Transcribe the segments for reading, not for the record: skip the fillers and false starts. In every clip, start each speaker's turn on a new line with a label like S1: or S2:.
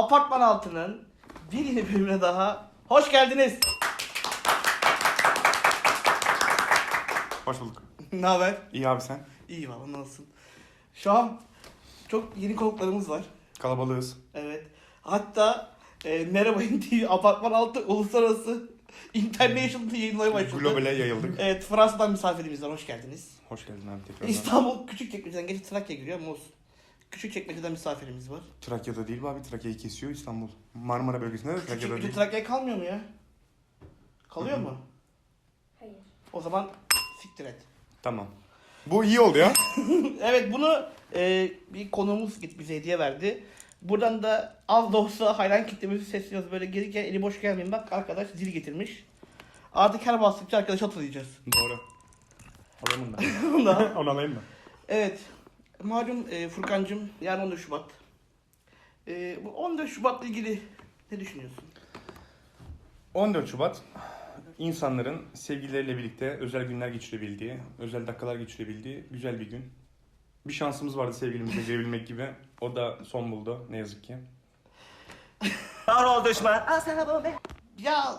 S1: Apartman Altı'nın bir yeni bölümüne daha hoş geldiniz.
S2: Hoş bulduk.
S1: Ne haber?
S2: İyi abi sen?
S1: İyi valla, nasılsın? Şu an çok yeni konuklarımız var.
S2: Kalabalığız.
S1: Evet. Hatta Merhaba TV Apartman Altı Uluslararası International yayınlamaya başladı.
S2: Globale yayıldık.
S1: Evet, Fransa'dan misafirimiz var. Hoş geldiniz.
S2: Hoş geldin abi tekrar.
S1: İstanbul Küçükçekmece'den geçip Trakya giriyor ama olsun. Küçükçekmece'den misafirimiz var.
S2: Trakya'da değil bu abi. Trakya'yı kesiyor İstanbul. Marmara bölgesinde de Trakya'da
S1: Küçükçekmece
S2: değil.
S1: Trakya'ya kalmıyor mu ya? Kalıyor mu?
S3: Hayır.
S1: O zaman siktir et.
S2: Tamam. Bu iyi oldu ya.
S1: Evet, bunu bir konuğumuz bize hediye verdi. Buradan da az da olsa hayran kitlemizi sesleniyoruz. Böyle gelirken eli boş gelmeyin, bak arkadaş zil getirmiş. Artık her bastıkça arkadaşı hatırlayacağız.
S2: Doğru. Alayım mı ben?
S1: Ondan.
S2: Onu alayım mı?
S1: Evet. Malum Furkancığım, yarın 14 Şubat. Bu 14 Şubat'la ilgili ne düşünüyorsun?
S2: 14 Şubat insanların sevgilileriyle birlikte özel günler geçirebildiği, özel dakikalar geçirebildiği güzel bir gün. Bir şansımız vardı sevgilimize girebilmek gibi. O da son buldu ne yazık ki.
S1: Ya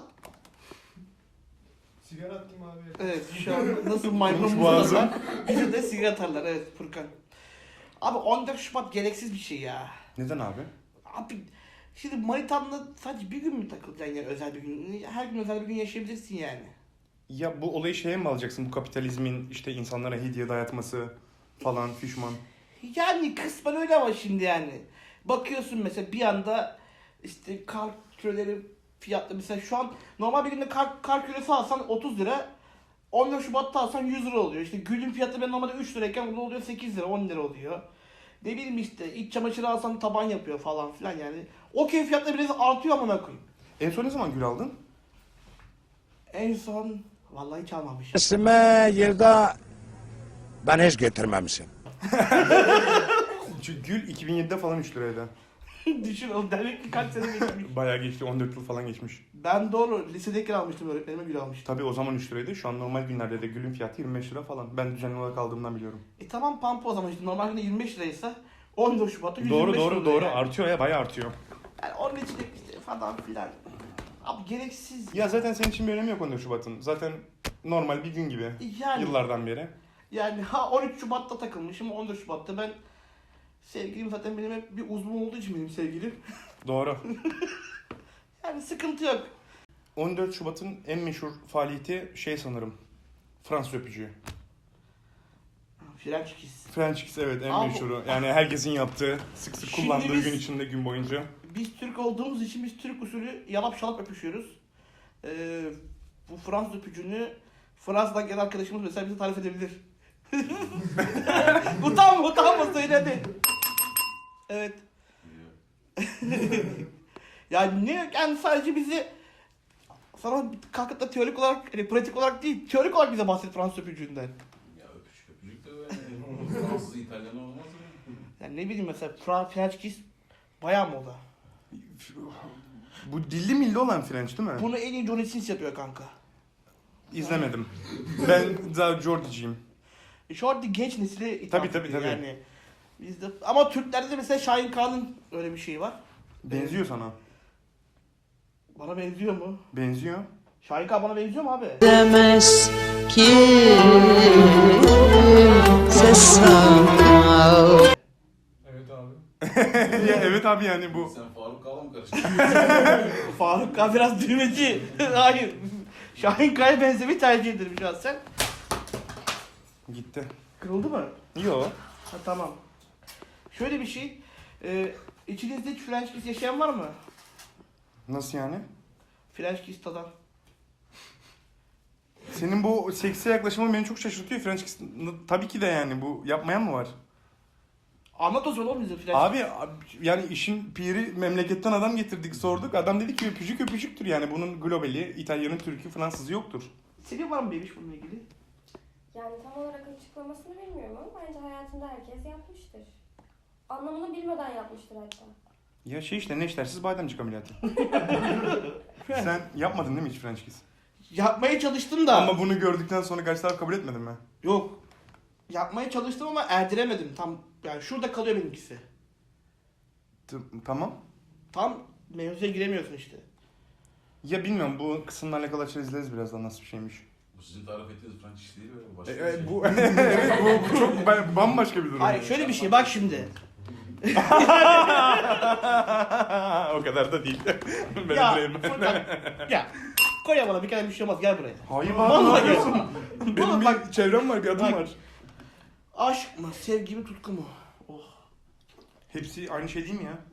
S4: Sigara attım abi.
S1: evet, şu an nasıl maymun
S2: Boğazım.
S1: var? Bize de sigara atarlar, evet Furkan. Abi 14 Şubat gereksiz bir şey ya.
S2: Neden abi?
S1: Abi şimdi manitanla sadece bir gün mü takılacaksın yani, özel bir gün? Her gün özel bir gün yaşayabilirsin yani.
S2: Ya bu olayı şeye mi alacaksın? Bu kapitalizmin işte insanlara hediye dayatması falan fişman.
S1: Yani kısmen öyle ama şimdi yani. Bakıyorsun mesela bir anda işte kar küreleri fiyatlı, mesela şu an normal bir günde kar küresi alsan 30 lira. 14 Şubat'ta alsan 100 lira oluyor. İşte gülün fiyatı ben normalde 3 lirayken burada oluyor 8 lira 10 lira oluyor. Ne bileyim işte iç çamaşırı alsan taban yapıyor falan filan yani. Okey, fiyatları biraz artıyor amına koyayım.
S2: En son ne zaman gül aldın?
S1: En son vallahi hiç almamışım.
S5: Resme yerde ben hiç getirmemişim.
S2: Çünkü gül 2007'de falan 3 liraydı.
S1: Düşün oğlum, demek ki kaç sene geçmiş.
S2: Bayağı geçti, 14 yıl falan geçmiş.
S1: Ben doğru lisedeyken almıştım, öğretmenime gül almıştım.
S2: Tabii o zaman 3 liraydı. Şu an normal günlerde de gülün fiyatı 25 lira falan. Ben düzenli olarak aldığımdan biliyorum.
S1: Tamam pampa, o zaman işte normal günde 25 liraysa 14 Şubat'ta 125 lira
S2: Doğru.
S1: yani.
S2: Artıyor ya, bayağı artıyor.
S1: Yani onun için de işte falan filan. Abi gereksiz.
S2: Ya zaten senin için bir önemi yok 14 Şubat'ın. Zaten normal bir gün gibi.
S1: Yani,
S2: Yıllardan beri.
S1: yani 13 Şubat'ta takılmışım, 14 Şubat'ta ben sevgilim zaten benim hep bir uzun olduğu için benim sevgilim.
S2: Doğru.
S1: Yani sıkıntı yok.
S2: 14 Şubat'ın en meşhur faaliyeti şey sanırım. Fransız öpücüğü.
S1: French kiss.
S2: French kiss, evet, en
S1: Abi-
S2: meşhuru. Yani herkesin yaptığı, sık sık
S1: Şimdi
S2: kullandığı
S1: biz-
S2: gün içinde, gün boyunca.
S1: Biz Türk olduğumuz için biz Türk usulü yalap şalap öpüşüyoruz. Bu Fransız öpücüğünü Fransa'dan gelen arkadaşımız mesela bize tarif edebilir. utanma söyle hadi. Evet. Yani ne, yani sadece bizi sana kalkıp da teorik olarak, pratik olarak değil, teorik olarak bize bahset Fransız öpücüğünden.
S6: Ya öpücük de böyle. Fransız, İtalyan olmaz mı?
S1: Yani ne bileyim mesela French kiss bayağı moda.
S2: Bu dilli milli olan French değil mi?
S1: Bunu en iyi Johnny Sins yapıyor kanka.
S2: İzlemedim. Ben daha Jordi'ciyim.
S1: Şu anda genç nesile hitap
S2: Tabii.
S1: ediyor yani. Bizde, ama Türklerde de mesela Şahin Kağan'ın öyle bir şeyi var.
S2: Benziyor sana.
S1: Bana benziyor mu?
S2: Benziyor.
S1: Şahin Kağan bana benziyor mu abi?
S7: Demez kimse sana.
S4: Evet abi.
S2: Ya evet abi, yani bu.
S6: Sen Faruk Kağan'la mı karıştırdın?
S1: Faruk Kağan biraz düğmeci. Hayır. Şahin Kağan'a benzemeyi tercih ederim şahsen.
S2: Gitti.
S1: Kırıldı mı?
S2: Yo.
S1: Ha, tamam. Şöyle bir şey. İçinizde hiç French kiss yaşayan var mı?
S2: Nasıl yani?
S1: French kiss tadan.
S2: Senin bu seksi yaklaşımın beni çok şaşırtıyor. French kiss tabii ki de, yani bu yapmayan mı var?
S1: Anlat o zaman oğlum bize French
S2: Abi yani işin piri, memleketten adam getirdik, sorduk. Adam dedi ki öpücük öpücüktür, yani bunun globali, İtalyan'ın, Türk'ü, Fransız'ı yoktur.
S1: kiss. Senin var mı bebiş bununla ilgili?
S3: Yani tam olarak açıklamasını bilmiyorum ama bence hayatında herkes yapmıştır. Anlamını bilmeden yapmıştır hatta.
S2: Ya şey işte, neştersiz bademcik ameliyatı. Sen yapmadın değil mi hiç French kiss?
S1: Yapmaya çalıştım da.
S2: Ama bunu gördükten sonra karşı taraf kabul etmedin mi?
S1: Yok. Yapmaya çalıştım ama erdiremedim. Tam yani şurada kalıyor benimkisi.
S2: Tamam.
S1: Tam mevzuya giremiyorsun işte.
S2: Ya bilmiyorum, bu kısımla alakalı açarız, izleriz birazdan nasıl bir şeymiş.
S6: Bu sizin tarif ettiğiniz French iş değil mi? Başka bir
S2: Evet
S6: şey.
S2: bu evet, bu çok bambaşka bir durum.
S1: Hayır şöyle bir şey bak şimdi.
S2: O kadar da değil. Ben
S1: Ya
S2: öldüreyim.
S1: Furkan. Ya. Koy ya bana bir kere bir şey olmaz gel buraya.
S2: Hayır
S1: Vallahi
S2: abi.
S1: gel.
S2: Benim
S1: Oğlum
S2: bir
S1: bak-
S2: çevrem var, bir adım
S1: bak.
S2: var.
S1: Aşk mı, sevgi mi, tutku mu? Oh.
S2: Hepsi aynı şey değil mi ya?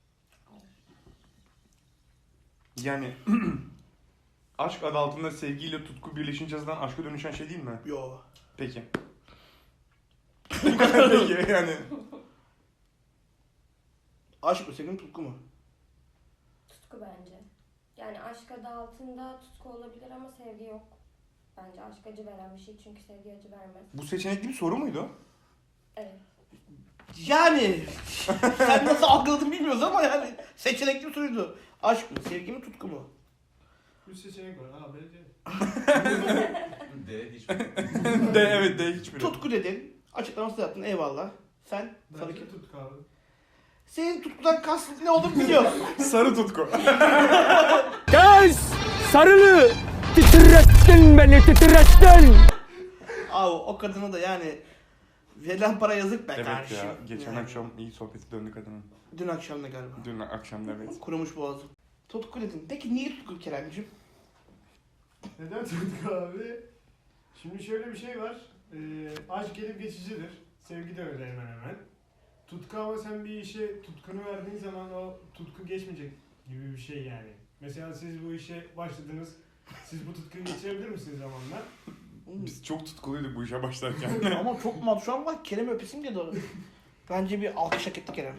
S2: Yani aşk adı altında sevgiyle tutku birleşince zaten aşka dönüşen şey değil mi?
S1: Yo.
S2: Peki. Peki yani.
S1: Aşk mı, sevgi mi, tutku mu?
S3: Tutku bence. Yani aşk adı altında tutku olabilir ama sevgi yok. Bence aşk acı veren bir şey çünkü sevgi acı vermez.
S2: Bu seçenekli bir soru muydu?
S3: Evet.
S1: Yani sen nasıl algıladın bilmiyoruz ama yani seçenekli bir soruydu. Aşk mı, sevgi mi, tutku mu?
S4: 3 seçenek var. A, B, C.
S6: D hiçbir.
S2: De evet, de hiçbiri.
S1: Tutku dedin. Açıklamasını yaptın eyvallah. Sen sarı
S4: Bence tutku abi.
S1: Senin tutkudan kastın ne olduğunu biliyorsun.
S2: Sarı tutku.
S8: Kız sarılı titrettin beni titrettin.
S1: Abi o kadına da yani verilen para yazık be
S2: Evet
S1: kardeşim.
S2: ya, geçen
S1: Yani.
S2: akşam iyi sohbeti döndük adamın.
S1: Dün akşam da galiba.
S2: Dün akşam da evet.
S1: Kurumuş boğazım. Tutku dedin. Peki niye tutku Kerem'cim?
S4: Neden tutku abi? Şimdi şöyle bir şey var. Aşk gelip geçicidir. Sevgi de öyle hemen hemen. Tutku ama sen bir işe tutkunu verdiğin zaman o tutku geçmeyecek gibi bir şey yani. Mesela siz bu işe başladınız. Siz bu tutkuyu geçirebilir misiniz zamanla?
S2: Biz çok tutkuluyduk bu işe başlarken.
S1: Ama çok mal şu an bak Kerem'i öpesim diye doğru. Bence bir alkış hak etti Kerem.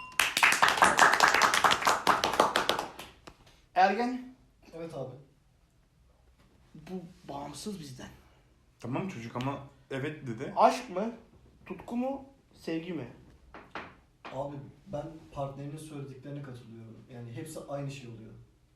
S1: Ergen
S9: Evet abi.
S1: bu bağımsız bizden.
S2: Tamam çocuk ama evet dedi.
S1: Aşk mı? Tutku mu? Sevgi mi?
S9: Abi ben partnerimin söylediklerine katılıyorum. Yani hepsi aynı şey oluyor.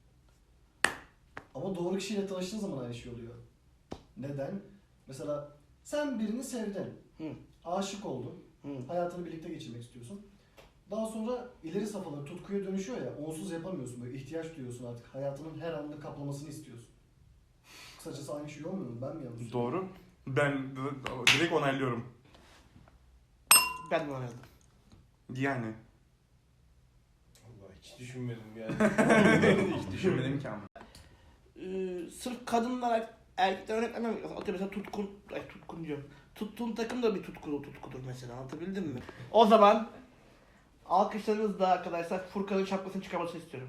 S9: Ama doğru kişiyle tanıştığın zaman aynı şey oluyor. Neden? Mesela sen birini sevdin.
S1: Hı.
S9: Aşık oldun.
S1: Hı.
S9: Hayatını birlikte geçirmek istiyorsun. Daha sonra ileri safhalar tutkuya dönüşüyor ya, onsuz yapamıyorsun. Böyle ihtiyaç duyuyorsun artık. Hayatının her anını kaplamasını istiyorsun. Kısacası aynı şey olmuyor mu? Ben mi yanlış söylüyorum?
S2: Doğru. Ben direkt onaylıyorum.
S1: Ben de oynadım.
S2: Yani.
S4: Allah hiç düşünmedim yani.
S2: Hiç düşünmedim ki ama.
S1: Sırf kadınlar erkekler örnek vermem. Atıyorum mesela tutkun diyorum. Tuttuğun takım da bir tutkudur mesela, anlatabildim mi? O zaman alkışlarınızla arkadaşlar Furkan'ın şapkasını çıkarmasını istiyorum.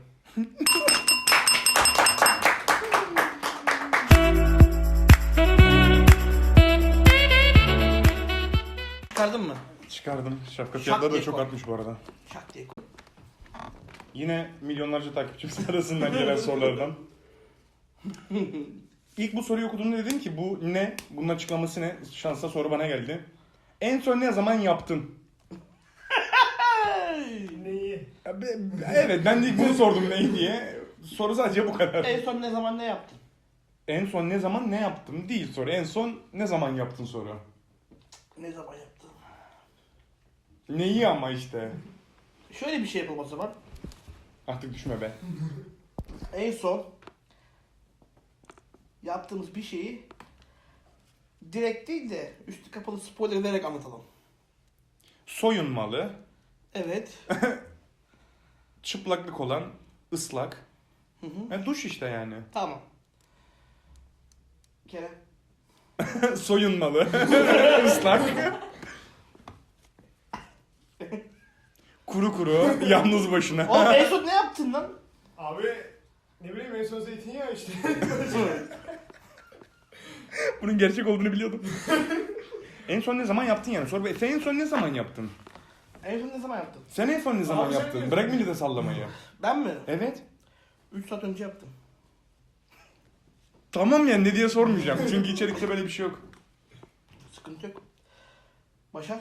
S1: Çıkardın mı?
S2: Çıkardım. Şapka
S1: Şak
S2: fiyatları da
S1: diye
S2: çok
S1: koy.
S2: artmış bu arada.
S1: Şak diye koy.
S2: Yine milyonlarca takipçimiz arasından gelen sorulardan. İlk bu soruyu okuduğumda dedim ki bu ne? Bunun açıklaması ne? Şansa soru bana geldi. En son ne zaman yaptın?
S4: Neyi?
S2: Evet, ben de ilk bunu sordum neyi diye. Soru sadece bu kadar.
S1: En son ne zaman ne yaptın?
S2: En son ne zaman ne yaptım değil soru. En son ne zaman yaptın soru.
S1: Ne zaman yaptın?
S2: Neyi ama işte.
S1: Şöyle bir şey yapalım o zaman.
S2: Artık düşme be.
S1: En son yaptığımız bir şeyi direkt değil de üstü kapalı spoiler vererek anlatalım.
S2: Soyunmalı,
S1: Evet.
S2: çıplaklık olan, ıslak.
S1: Hı hı.
S2: Yani duş işte yani.
S1: Tamam. Kerem.
S2: Soyunmalı, ıslak. Kuru kuru, yalnız başına.
S1: Oğlum en son ne yaptın lan?
S4: Abi ne bileyim en son zeytinyağı işte.
S2: Bunun gerçek olduğunu biliyordum. En son ne zaman yaptın yani? Sor be. Sen en son ne zaman yaptın?
S1: En son ne zaman yaptın?
S2: Sen en son ne zaman
S4: Abi sen
S2: yaptın?
S4: ne-
S2: Bırak millete sallamayı.
S1: Ben mi?
S2: Evet.
S1: 3 saat önce yaptım.
S2: Tamam yani ne diye sormayacağım. Çünkü içerikte böyle bir şey yok.
S1: Sıkıntı yok. Başar.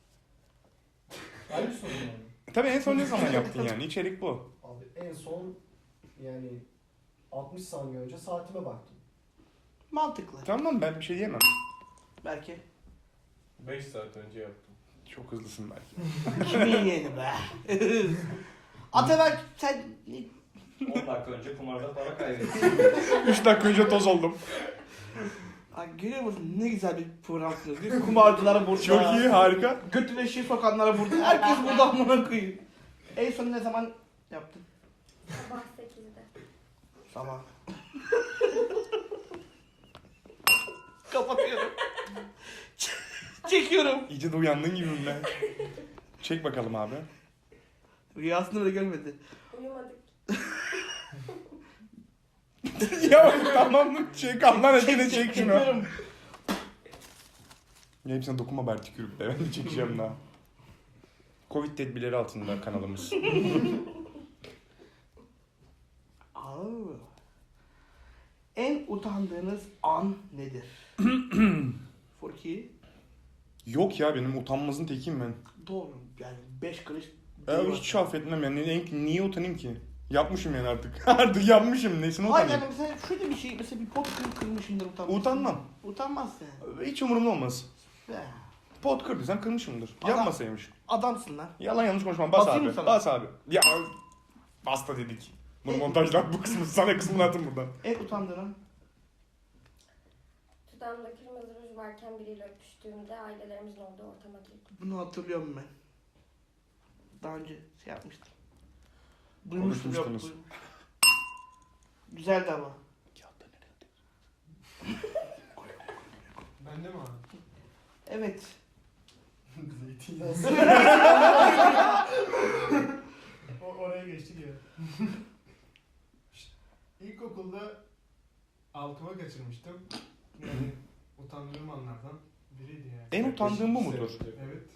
S9: Aynı soru yani.
S2: Tabii en son ne zaman yaptın yani? İçerik bu.
S9: Abi en son yani 60 saniye önce saatime baktım.
S1: Mantıklı.
S2: Tamam ben bir şey diyemem.
S1: Belki.
S4: 5 saat önce yaptım.
S2: Çok hızlısın belki.
S1: Kimin yeğeni be? Ataberk sen...
S10: 10 dakika önce kumarda para kaybettim.
S2: 3 dakika önce toz oldum.
S1: Ay, görüyor musun ne güzel bir program sunuyoruz. Kumarcılara burada.
S2: Çok iyi, harika.
S1: Götüne şişe sokanlara burada. Herkes burada amına koyayım. En son ne zaman yaptın?
S3: Sabah 8'de.
S1: Sabah. Kapatıyorum. Çekiyorum.
S2: İyice de uyandın gibi ben. Çek bakalım abi.
S1: Rüyasını bile görmedi.
S3: Uyumadık.
S2: Ya tamam mı? Çek Allah'ın adına çek şunu.
S1: Çekiyorum.
S2: Ya hepsine dokunma bari tükürüp de ben de çekeceğim daha. Covid tedbirleri altında kanalımız.
S1: Aa. En utandığınız an nedir? Furki.
S2: Yok ya benim utanmazın tekiyim ben.
S1: Doğru. Yani 5 kuruş.
S2: Hiç affetmem yani. Niye utanayım ki? Yapmışım yani artık. Artık yapmışım. Nesine
S1: Hayır
S2: utanayım?
S1: yani mesela şöyle bir şey. Mesela bir pot kırmışımdır utanmaz.
S2: Utanmam.
S1: Utanmazsın yani.
S2: Hiç umurumda olmaz.
S1: Be.
S2: Pot kırdıysam kırmışımdır.
S1: Adam-
S2: Yapmasaymış.
S1: Adamsın lan.
S2: Yalan yanlış konuşmam. Bas
S1: Basayım
S2: abi.
S1: mı sana?
S2: Bas abi. Ya basta dedik. Bunu montajlar bu kısmı sana kısmını atın buradan.
S1: En utandığın an.
S3: Dudağımda kırmızı ruj varken biriyle öpüştüğümde ailelerimizin olduğu ortama girdim.
S1: Bunu hatırlıyorum ben. Daha önce şey yapmıştım. Duymuştum yok.
S2: Konuşmuştunuz.
S1: Güzeldi ama.
S4: Bende mi abi?
S1: Evet.
S9: Zeytinyağı.
S4: Oraya geçtik ya. İlkokulda altıma kaçırmıştım. Yani utandığım anlardan biriydi yani.
S2: En utandığım bu mudur?
S4: Evet.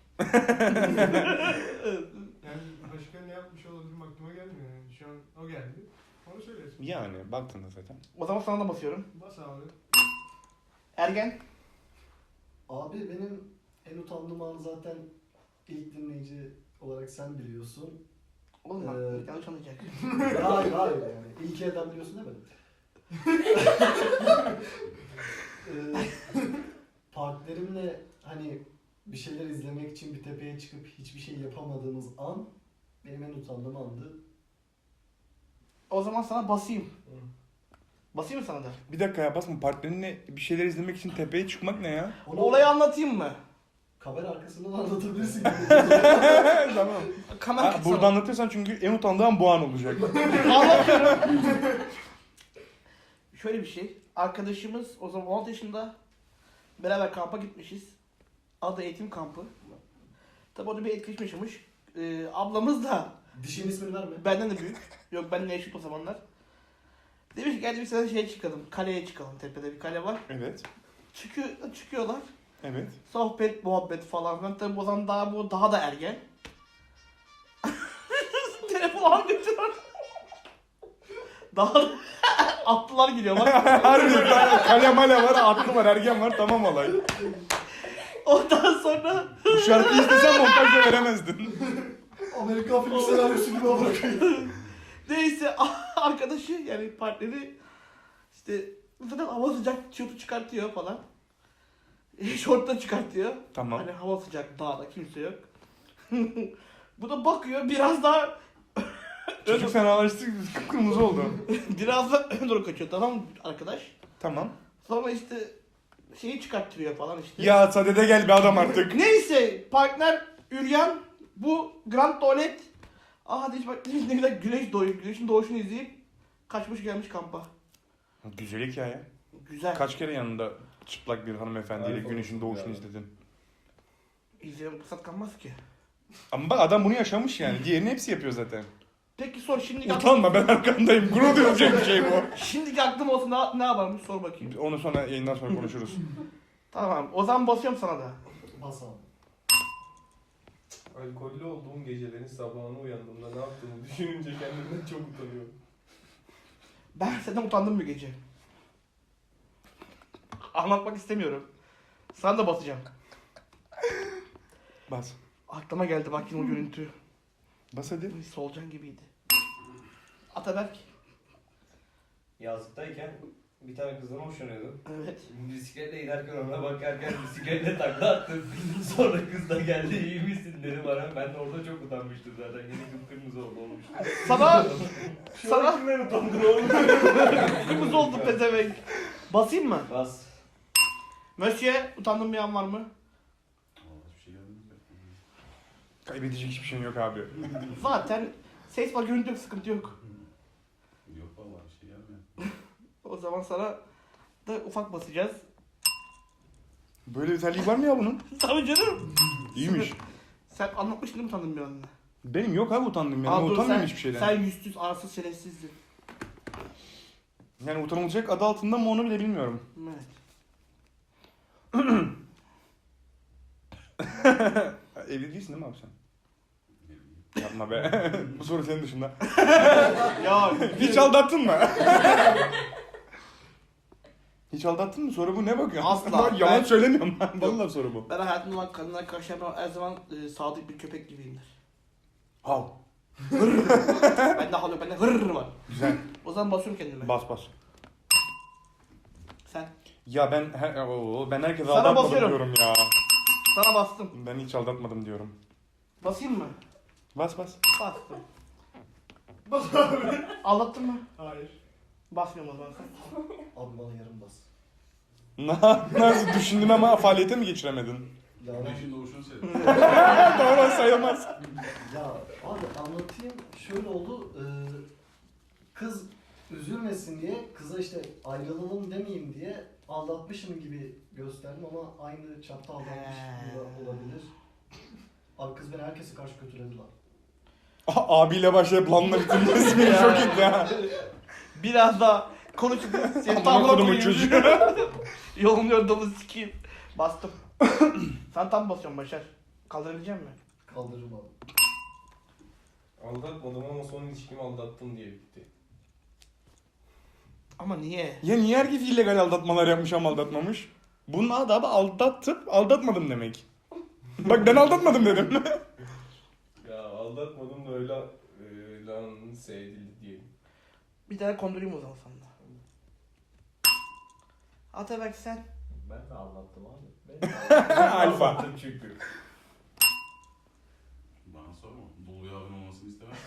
S4: Yani başka ne yapmış olabilirim aklıma gelmiyor yani. Şu an o geldi. Onu söylüyorsun.
S2: Yani baktığında zaten.
S1: O zaman sana da basıyorum.
S4: Bas abi.
S1: Ergen.
S9: Abi benim en utandığım an zaten ilk dinleyici olarak sen biliyorsun.
S1: Oğlum bak
S9: Ee,
S1: yanlış anlayacak.
S9: Hayır yani. İlk elden biliyorsun değil mi? Partnerimle hani bir şeyler izlemek için bir tepeye çıkıp hiçbir şey yapamadığımız an benim en utandığım andı.
S1: O zaman sana basayım. Basayım mı sana da?
S2: Bir dakika ya basma. Partnerinle bir şeyler izlemek için tepeye çıkmak ne ya?
S9: Onu
S1: Olayı anlatayım mı?
S9: kamera arkasından anlatabilirsin.
S2: Tamam.
S1: Kamera
S2: Ha, burada anlatırsan çünkü en utandığım bu an olacak.
S1: Anlatıyorum. Şöyle bir şey. Arkadaşımız o zaman 16 yaşında beraber kampa gitmişiz. Adı eğitim kampı. Tabi orada bir etkileşim yaşamış. Ablamız da
S9: Dişin ismini verme.
S1: benden de büyük. Yok benimle eşit o zamanlar. Demiş ki gel bir sene şeye çıkalım. Kaleye çıkalım. Tepede bir kale var.
S2: Evet.
S1: Çıkıyorlar.
S2: Evet.
S1: Sohbet, muhabbet falan filan. Tabi o zaman daha da ergen. Telefon götürüyor. Daha da atlılar geliyor bak.
S2: Harbiden kale male var, atlı var, ergen var, tamam olay.
S1: Ondan sonra
S2: Bu şarkıyı istesen montajda veremezdin.
S9: Amerikan filmi senaryosu gibi bırakıyor.
S1: neyse arkadaşı yani partneri işte zaten hava sıcak tişörtü çıkartıyor falan. Şort da çıkartıyor.
S2: Tamam.
S1: Hani hava sıcak dağda kimse yok. Bu da bakıyor biraz daha
S2: Çocuk fenalaştı, kıpkırmızı oldu.
S1: biraz da ön doğru kaçıyor tamam mı arkadaş?
S2: Tamam.
S1: Sonra işte şeyi çıkarttırıyor falan işte.
S2: Ya sadede gel be adam artık.
S1: Neyse partner Ülyan bu Grand Tuvalet hadi hiç bak ne güzel güneş doğuyor. Güneşin doğuşunu izleyip kaçmış gelmiş kampa.
S2: Güzel hikaye.
S1: Güzel.
S2: Kaç kere yanında çıplak bir hanımefendiyle
S6: Harika
S2: güneşin
S6: olmuş
S2: doğuşunu
S6: ya.
S2: izledin.
S1: İzleme fırsat kalmaz ki.
S2: Ama bak adam bunu yaşamış yani. Diğerini hepsi yapıyor zaten.
S1: Peki sor şimdi
S2: Utanma ben arkandayım. Gurur duyulacak bir şey bu.
S1: Şimdiki aklım olsa ne yaparmış sor bakayım.
S2: Onu sonra yayından sonra konuşuruz.
S1: Tamam o zaman basıyorum sana da.
S9: Bas abi.
S10: Alkollü olduğum gecelerin sabahına uyandığımda ne yaptığımı düşününce kendimden çok utanıyorum.
S1: Ben senden utandım bir gece. Anlatmak istemiyorum. Sana da basacağım.
S2: Bas.
S1: Aklıma geldi bak yine o görüntü.
S2: Bas hadi.
S1: Solucan gibiydi. Ataberk.
S10: Yazlıktayken bir tane kızdan hoşlanıyordum.
S1: Evet.
S10: Bisikletle giderken ona bakarken bisikletle takla attım. Sonra kız da geldi iyi misin dedi bana. Ben de orada çok utanmıştım zaten. Yine kıpkırmızı olmuştu.
S1: Sana
S10: Sana kimden utandın oğlum?
S1: kırmızı oldu pezevenk. Basayım mı?
S10: Bas.
S1: Mösyö utandığın bir an var mı?
S6: Vallahi hiçbir şey gelmedi.
S2: Kaybedecek hiçbir şeyin yok abi.
S1: Zaten ses var, görüntü yok, sıkıntı yok.
S6: Yok vallahi bir şey gelmiyor.
S1: O zaman sana da ufak basacağız.
S2: Böyle bir özelliği var mı ya bunun?
S1: Tabii canım.
S2: İyiymiş.
S1: Sen anlatmıştın değil mi utandığın bir anını?
S2: Benim yok abi utandım yani.
S1: Aa, dur,
S2: Utanmıyorum hiçbir şeyden.
S1: Sen yüzsüz, arsız, şerefsizdin.
S2: Yani utanılacak adı altında mı onu bile bilmiyorum.
S1: Evet.
S2: Evli değilsin değil mi abi sen? Yapma be. Bu soru senin dışında.
S1: Ya
S2: Hiç aldattın mı? Hiç aldattın mı? Soru bu, ne bakıyorsun?
S1: Asla.
S2: Ben yalan
S1: Ben-
S2: söylemiyorum ben. Vallahi soru bu.
S1: ben hayatımda olan kadınlara karşı her zaman sadık bir köpek gibiyimdir.
S2: Hav.
S1: Bende hal yok, bende hırr var.
S2: Güzel.
S1: O zaman basıyorum kendime.
S2: Bas bas.
S1: Sen.
S2: Ya ben ben herkese
S1: Sana
S2: aldatmadım
S1: basıyorum.
S2: diyorum ya.
S1: Sana bastım.
S2: Ben hiç aldatmadım diyorum.
S1: Basayım mı?
S2: Bas bas.
S1: Bastım.
S4: Bas abi.
S1: Aldattın mı?
S4: Hayır.
S1: Basmıyorum o zaman sen.
S9: Abi bana yarım bas.
S2: Nasıl düşündün ama faaliyete mi geçiremedin?
S9: Ya, ben-
S6: Güneşin doğuşunu seyredin.
S2: Doğru sayılmaz.
S9: ya abi anlatayım. Şöyle oldu. Kız üzülmesin diye kıza işte ayrılalım demeyeyim diye aldatmışım gibi gösterdim ama aynı çapta aldatmış gibi olabilir. Abi kız beni herkese karşı kötüledi lan.
S2: Abiyle başlayıp lanla bitirmesi beni çok etti ya.
S1: Biraz daha konuşup seni
S2: Amına
S1: tam
S2: kodumun
S1: koyayım.
S2: çocuğu.
S1: Yolun yordamı sikeyim. Bastım. Sen tam basıyorsun Başar. Kaldırabilecek misin?
S9: Kaldırırım abi.
S10: Aldatmadım ama son ilişkimi aldattım diye bitti.
S1: Ama niye?
S2: Ya niye herkes illegal aldatmalar yapmış ama aldatmamış? Bunun adı abi aldatıp aldatmadım demek. Bak ben aldatmadım dedim.
S10: Ya aldatmadım da öyle lanse edildi diyelim.
S1: Bir tane kondurayım o zaman sana da. Atabek sen.
S10: Ben de aldattım abi.
S2: Alfa.
S10: Aldattım çünkü.
S6: Bana sorma. Dolu yağın olmasını istemem.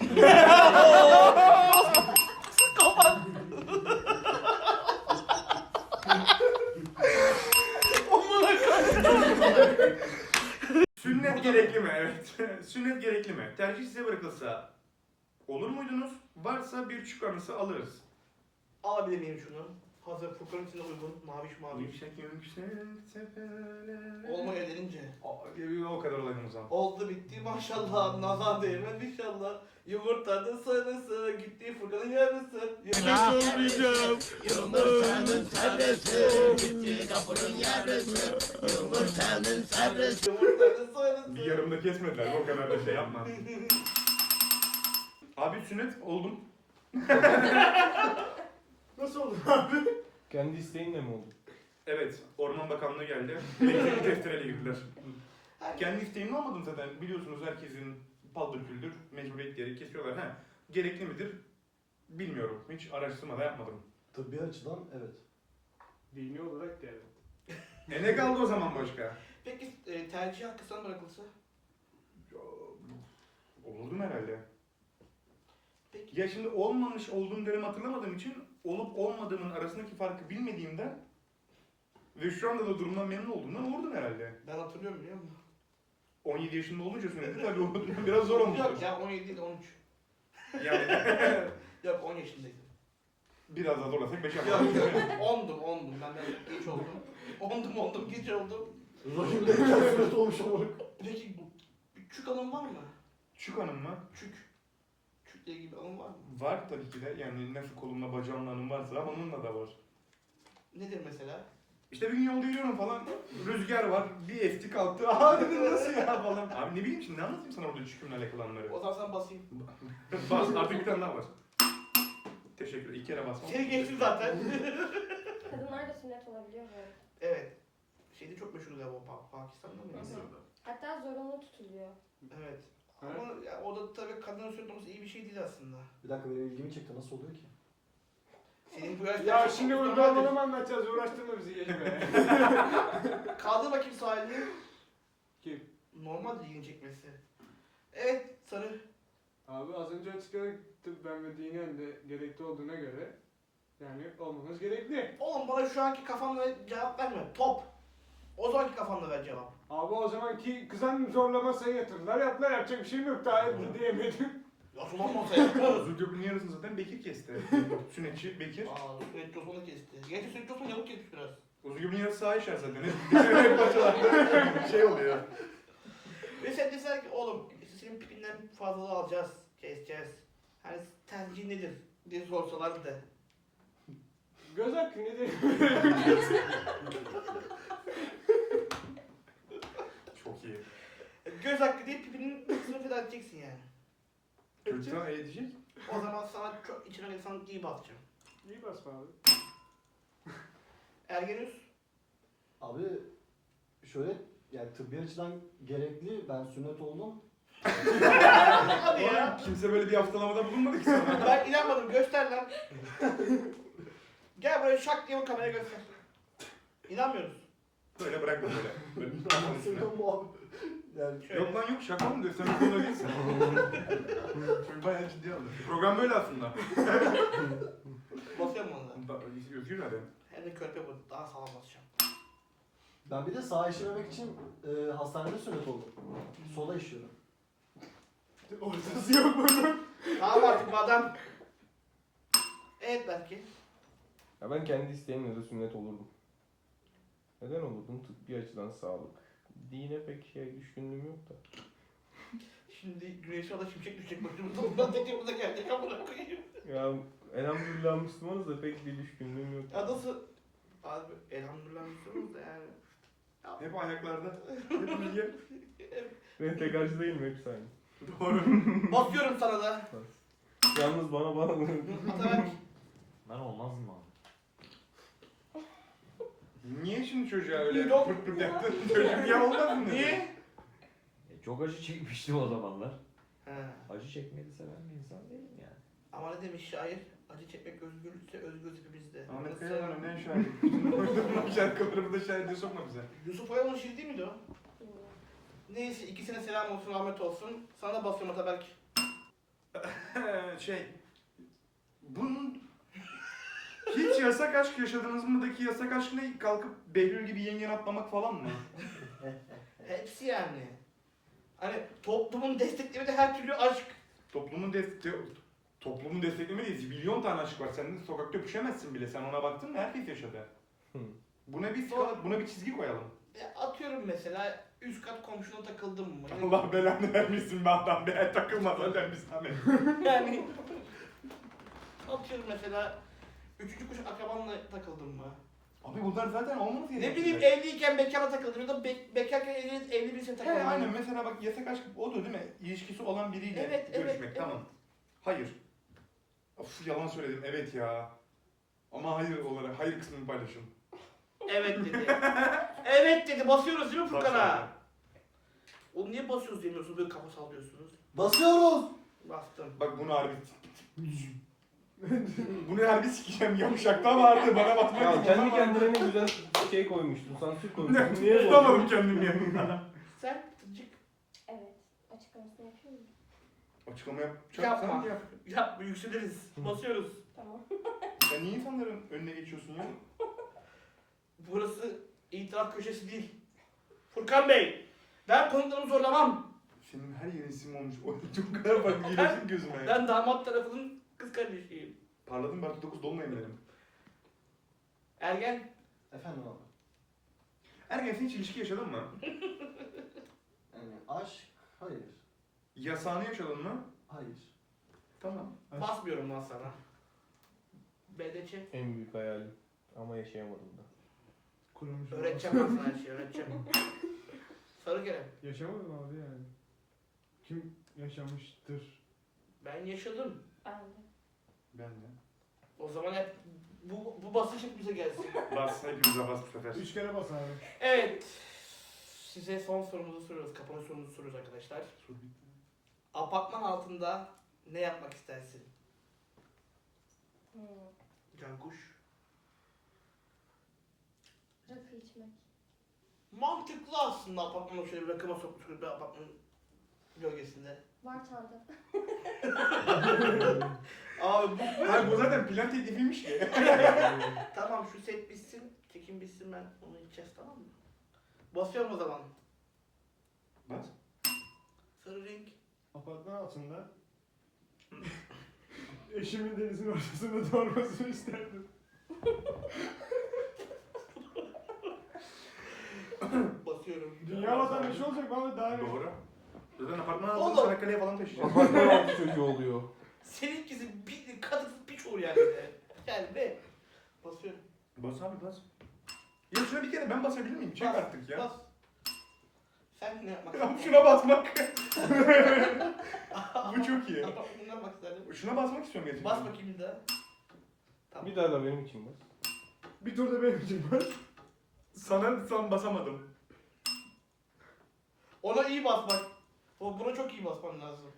S2: Sünnet gerekli mi? Evet. Sünnet gerekli mi? Tercih size bırakılsa olur muydunuz? Varsa bir çük anısı alırız.
S1: Alabilir miyim şunu? Hazır Furkan'ın içine uygun. Maviş maviş.
S2: Yüksek yüksek tepeler.
S1: Olmaya denince.
S2: O kadar olayım o zaman.
S1: Oldu bitti maşallah. Nazar değmez inşallah. Yumurtanın sarısı. Gitti Furkan'ın yarısı.
S8: Olmayacağım.
S1: Yumurtanın sarısı.
S2: Bir yarımda kesmediler. O kadar da şey yapma. Abi sünnet oldum.
S4: Nasıl oldu abi?
S10: Kendi isteğinle mi oldu?
S2: Evet. Orman Bakanlığı geldi. Elektrikli testereyle girdiler. Kendi isteğimle almadım zaten. Biliyorsunuz herkesin paldır küldür mecburiyet diyerek kesiyorlar. Ha, gerekli midir? Bilmiyorum. Hiç araştırma da yapmadım.
S9: Tıbbi açıdan evet.
S4: Dini olarak yani.
S2: Ne kaldı o zaman başka?
S1: Peki tercih hakkı sana bırakılsa?
S2: Olurdum herhalde.
S1: Peki.
S2: Ya şimdi olmamış olduğum dönemi hatırlamadığım için olup olmadığımın arasındaki farkı bilmediğimden ve şu anda da durumdan memnun olduğumdan olurdum herhalde.
S1: Ben hatırlıyorum biliyor musun?
S2: 17 yaşında olunca sünneti tabii o biraz zor olmuş.
S1: Yok ya 17 değil 13.
S2: Yani
S1: Yok 10 yaşındaydım.
S2: biraz daha zorlasak 5
S1: Yok
S2: yaparız.
S1: yok 10'dum. Ben de geç oldum. 10'dum geç oldum.
S9: Rahimle sünnet olmuş ama.
S1: Peki bir çük anın var mı?
S2: Çük hanım mı?
S1: Çükle ilgili bir anın var mı?
S2: Var tabii ki de. Yani nasıl kolumla bacağımla hanım varsa onunla da var.
S1: Nedir mesela?
S2: İşte bir gün yolda yürüyorum falan. Rüzgar var. Bir esti kalktı. Aa dedim nasıl ya falan. Abi ne bileyim şimdi ne anlatayım sana orada çükümle alakalı anları.
S1: O zaman sen basayım.
S2: Bas artık bir tane daha var. Teşekkür. 2 kere basmam.
S1: Seni geçtim zaten.
S3: Kadınlar da sünnet olabiliyor mu?
S1: Evet. Şeyde çok meşhur galiba Pakistan'da mı?
S6: Mısır'da.
S3: Hatta zorunlu tutuluyor.
S1: Evet. Ama ya, o da tabii kadının sünnet olması iyi bir şey değil aslında.
S9: Bir dakika benim ilgimi çekti. Nasıl oluyor ki?
S1: Senin bu yaşta...
S4: Ya şimdi uygulamalı mı anlatacağız? Uğraştırma bizi geç be.
S1: Kaldır bakayım sağ elini.
S4: Kim?
S1: Normal ilgini çekmesi. Evet sarı.
S4: Abi az önce açıkladık tıp ben ve dinen de gerekli olduğuna göre yani olmanız gerekli.
S1: Oğlum bana şu anki kafamla cevap verme. Top. O zamanki kafamla ver cevap.
S4: Abi o zamanki kızan zorlamasına yatırdılar. Yapacak bir şeyim yok daha diyemedim.
S1: Ya sulan masaya.
S2: Özgürlüğün yarısını zaten Bekir kesti. Sünnetçi Bekir.
S1: Aa, Sünnet Osman'ı kesti. Gerçi Sünnet Osman yamuk kesmiş biraz.
S2: Özgürlüğün yarısı sağ işer zaten. Hep parçalarda şey oluyor.
S1: Ve sen deseler ki oğlum işte senin pipinden fazlalığı alacağız. Keseceğiz. Hani tercih nedir diye sorsalar da.
S4: Göz hakkı ne diyeyim?
S2: Çok iyi.
S1: Göz hakkı değil pipinin kısmını feda edeceksin yani.
S2: Çocuktan edecek.
S1: O zaman sana çok içine insan iyi basacağım.
S4: İyi basma abi.
S1: Ergenüs.
S9: Abi şöyle yani tıbbi açıdan gerekli. Ben sünnet oldum.
S1: Hadi ya.
S2: Kimse böyle bir haftalamada bulunmadı ki sana.
S1: Ben inanmadım göster lan. Gel buraya şak diye bu kameraya göster. İnanmıyoruz.
S2: Böyle bırakma böyle. Böyle
S9: Sünnet mu abi? Yani
S1: Şöyle.
S2: Yok lan yok şaka mı göstermek zorunda değilsin. Çünkü bayağı ciddi aldı. Program böyle aslında.
S1: Basıyorum onu da.
S2: Özgür nerede?
S1: Hem de körpe bu. Daha sağlam basacağım.
S9: ben bir de sağ işlememek için hastanede sünnet oldum. Sola işiyorum.
S4: Ortası yok bunun.
S1: Tamam artık bu adam. Evet belki.
S11: Ya ben kendi isteğimle de sünnet olurdum. Neden olurdum? Tıbbi açıdan sağlık. Dine pek düşkünlüğüm yok da.
S1: Şimdi güneşe ala şimşek düşecek başımıza. Ondan tekimize geldik amına koyayım.
S11: Ya elhamdülillah Müslümanız da pek bir düşkünlüğüm yok.
S1: Ya nasıl? Abi elhamdülillah Müslümanız da yani.
S2: Hep ayaklarda. Hep bilgi.
S11: Ben tek karşı değilim hepsi aynı.
S2: Doğru.
S1: Basıyorum sana da.
S11: Yalnız bana
S1: Ataberk.
S10: Ben olmaz mı abi?
S2: Niye şimdi çocuğa öyle
S1: Yok.
S2: pırt pırt yaptın? Çocuk ya olmaz mı?
S1: Niye?
S10: Çok acı çekmiştim o zamanlar.
S1: He.
S10: Acı çekmeyi de seven bir insan değilim yani.
S1: Ama ne demiş şair? Acı çekmek özgürlükse özgür hepimizde.
S2: Ahmet Kaya'nın önden şair. Şarkılarımı da şair diye sokma bize.
S1: Yusuf Oyal'ın şiiri değil miydi o? Neyse ikisine selam olsun, rahmet olsun. Sana da basıyorum Ataberk.
S2: Bunun hiç yasak aşk yaşadınız mı'daki yasak aşk ne? Kalkıp Behlül gibi yengen atlamak falan mı?
S1: Hepsi yani. Hani toplumun desteklemediği her türlü aşk.
S2: Toplumun desteklemediği milyon tane aşk var. Sen de sokakta öpüşemezsin bile. Sen ona baktın mı? Herkes yaşadı. Buna bir skala, buna bir çizgi koyalım.
S1: Atıyorum mesela üst kat komşuna takıldım mı?
S2: Allah belanı vermesin be adam be. Takılma zaten biz Ahmet.
S1: Yani atıyorum mesela üçüncü kuşak akrabanla takıldım mı?
S2: Abi bunlar zaten olmaz ya.
S1: Ne bileyim evliyken bekara takıldım ya da bekarken evli birisine takıldım.
S2: Aynen mesela bak yasak aşk odur değil mi? İlişkisi olan biriyle
S1: Evet,
S2: görüşmek
S1: evet,
S2: tamam. Hayır. Of yalan söyledim evet ya. Ama hayır olarak hayır kısmını paylaşın.
S1: Evet dedi. Evet dedi. Basıyoruz değil mi Furkan'a?
S2: Basıyorum.
S1: Oğlum niye basıyoruz demiyorsunuz böyle kafa sallıyorsunuz?
S9: Basıyoruz!
S1: Bastım.
S2: Bak bunu harbi bunu harbi sikeceğim yamuşakta vardı bana batmak
S11: Ya kendi kendine ne güzel şey koymuştun, sansür koymuştun. Niye bozdun?
S2: tutamadım kendimi yanımda.
S1: Sen tıcık
S3: Evet. Açıklamasını yapıyor muyum?
S2: Açıklama yapacaksan
S1: yapma.
S2: yap.
S1: Yapma yükseliriz. Basıyoruz.
S3: Tamam.
S2: Ya niye insanların önüne geçiyorsun ya?
S1: Burası itiraf köşesi değil. Furkan Bey, ben konuklarımı zorlamam.
S2: Senin her yerin sim olmuş. O çok kadar bak geliyorsun gözüme.
S1: Ben damat tarafının kız kardeşiyim.
S2: Parladım ben 9 dolunayım dedim.
S1: Ergen,
S9: Efendim abi.
S2: Ergen sen hiç ilişki yaşadın mı?
S9: Yani aşk, hayır.
S2: Yasağını yaşadın mı?
S9: Hayır.
S2: Tamam.
S1: basmıyorum lan sana. BDC,
S11: En büyük hayalim. Ama yaşayamadım da.
S4: Kurumuş.
S1: öğreteceğim ben sana her şeyi, öğreteceğim. Sarı gelen,
S4: Yaşamadım abi yani. Kim yaşamıştır?
S1: ben yaşadım.
S3: Ben de.
S2: Ben de.
S1: O zaman hep bu basış hep bize gelsin.
S2: Bas hepimize bas bu sefer.
S4: 3 kere bas abi.
S1: Evet. Size son sorumuzu soruyoruz. Kapanış sorumuzu soruyoruz arkadaşlar. Apartman altında ne yapmak istersin? Cankuş.
S3: Rakı içmek.
S1: Mantıklı aslında apartmana şöyle bir rakıma sokmuş bir apartmanın gölgesinde.
S3: Var çanta.
S1: Abi bu
S2: Hayır bu zaten plan teklifiymiş ki.
S1: tamam şu set bitsin, çekim bitsin ben onu içeceğiz tamam mı? Basıyorum o zaman.
S2: Bas.
S1: Sarı renk.
S4: Apartman altında eşimin denizin ortasında doğurmasını isterdim.
S1: Basıyorum.
S4: Dünya vatandaşı olacak bana daha ne?
S2: Doğru. Zaten apartman altını
S1: Oğlum.
S2: Çanakkale'ye falan taşıyacağız.
S11: Apartman altı çocuğu oluyor.
S1: Seninkisi bir kadıksız piç olur yani. de. Yani be. Basıyorum.
S2: Bas abi bas. Ya şuna bir kere ben basabilir miyim? Çek
S1: Bas,
S2: artık ya.
S1: Bas. Sen ne yapmak
S2: Ya
S1: istersin?
S2: şuna basmak. Bu çok iyi.
S1: Ne yapmak isterdin?
S2: Şuna basmak istiyorum gerçekten.
S1: Bas bakayım bir daha. Tamam.
S11: Bir daha da benim için bas.
S4: Bir turda benim için var.
S2: Sana basamadım.
S1: Ona iyi basmak. Buna çok iyi basman lazım.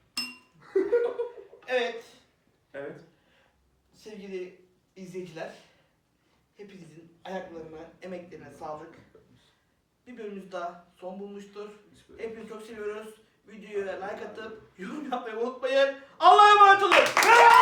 S1: Evet.
S2: Evet.
S1: Sevgili izleyiciler. Hepinizin ayaklarına, emeklerine sağlık. Bir bölümümüz daha son bulmuştur. Hepinizi çok seviyoruz. Videoya like atıp yorum yapmayı unutmayın. Allah'a emanet olun.